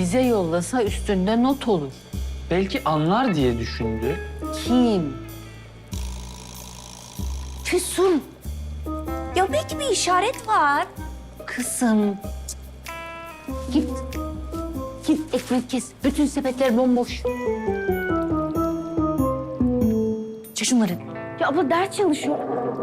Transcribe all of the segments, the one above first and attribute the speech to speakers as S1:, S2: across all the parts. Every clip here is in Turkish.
S1: Bize yollasa üstünde not olur.
S2: Belki anlar diye düşündü.
S1: Kim?
S3: Füsun. Ya belki bir işaret var.
S1: Kızım. Git. Git ekmek kes. Bütün sepetler bomboş. Çek şunları.
S3: Ya abla ders çalışıyor.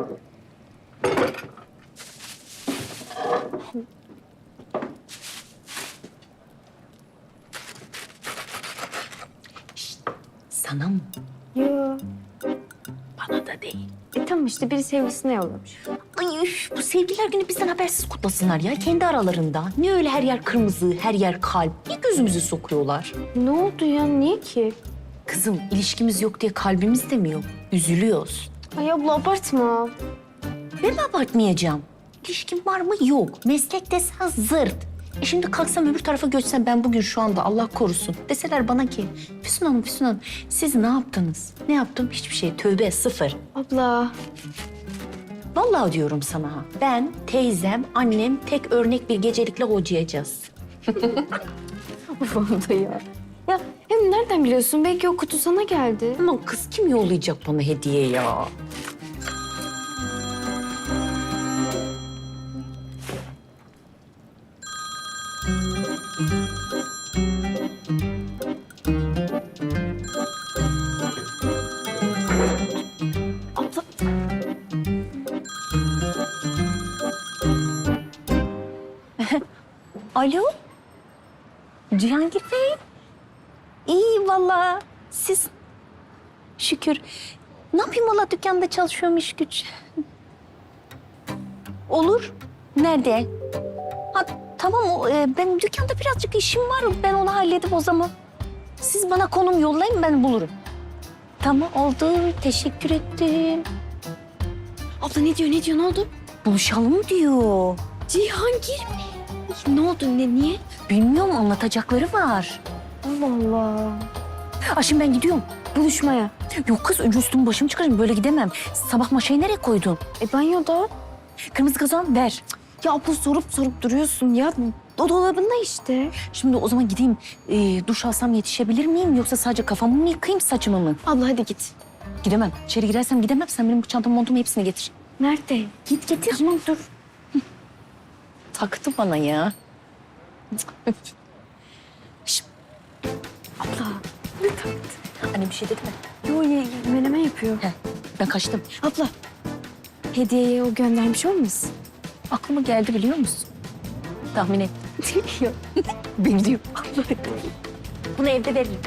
S1: Sana mı?
S3: Ya.
S1: Bana da değil.
S3: Tamam işte biri sevgilisine yollamış.
S1: Ay üf, bu sevgililer günü bizden habersiz kutlasınlar ya kendi aralarında. Ne öyle her yer kırmızı, her yer kalp. Niye gözümüzü sokuyorlar?
S3: Ne oldu ya? Niye ki?
S1: Kızım ilişkimiz yok diye kalbimiz de mi yok? Üzülüyoruz.
S3: Ay abla abartma.
S1: Ben mi abartmayacağım? İlişkim var mı? Yok. Meslek desen zırt. Şimdi kalksam öbür tarafa göçsem ben bugün şu anda Allah korusun. Deseler bana ki Füsun Hanım, Füsun Hanım siz ne yaptınız? Ne yaptım? Hiçbir şey. Tövbe sıfır.
S3: Abla.
S1: Vallahi diyorum sana ha. Ben, teyzem, annem tek örnek bir gecelikle hocayacağız.
S3: Abla ya. Ya hem nereden biliyorsun? Belki o kutu sana geldi.
S1: Aman kız kim yollayacak bana hediye ya?
S3: Abla.
S1: Alo? Cihangir Bey? İyi vallahi. Siz? Şükür. Ne yapayım valla dükkanda çalışıyorum iş güç. Olur. Nerede? Ha, tamam benim dükkanda birazcık işim var. Ben onu halledip o zaman. Siz bana konum yollayın ben bulurum. Tamam oldu. Teşekkür ettim.
S3: Abla ne diyor? Ne diyor? Ne oldu?
S1: Buluşalım diyor.
S3: Cihangir mi? Ne oldu? Niye?
S1: Bilmiyorum anlatacakları var.
S3: Allah Allah.
S1: Şimdi ben gidiyorum.
S3: Buluşmaya.
S1: Yok kız önce üstümü başımı çıkarayım böyle gidemem. Sabah maşayı nereye koydun?
S3: Banyoda.
S1: Kırmızı kazan ver.
S3: Ya abla sorup duruyorsun ya. O dolabında işte.
S1: Şimdi o zaman gideyim duş alsam yetişebilir miyim? Yoksa sadece kafamı mı yıkayayım saçımı mı?
S3: Abla hadi git.
S1: Gidemem. İçeri girersem gidemem. Sen benim bu çantamı montumu hepsini getir.
S3: Nerede?
S1: Git getir.
S3: Tamam dur.
S1: Taktı bana ya.
S3: Abla.
S1: Anne bir şey dedi mi?
S3: Yo menemen yapıyor.
S1: Heh, ben kaçtım.
S3: Abla. Hediyeyi o göndermiş olmasın?
S1: Aklıma geldi biliyor musun? Tahmin et.
S3: Yok.
S1: Biliyorum. Bunu evde veririm.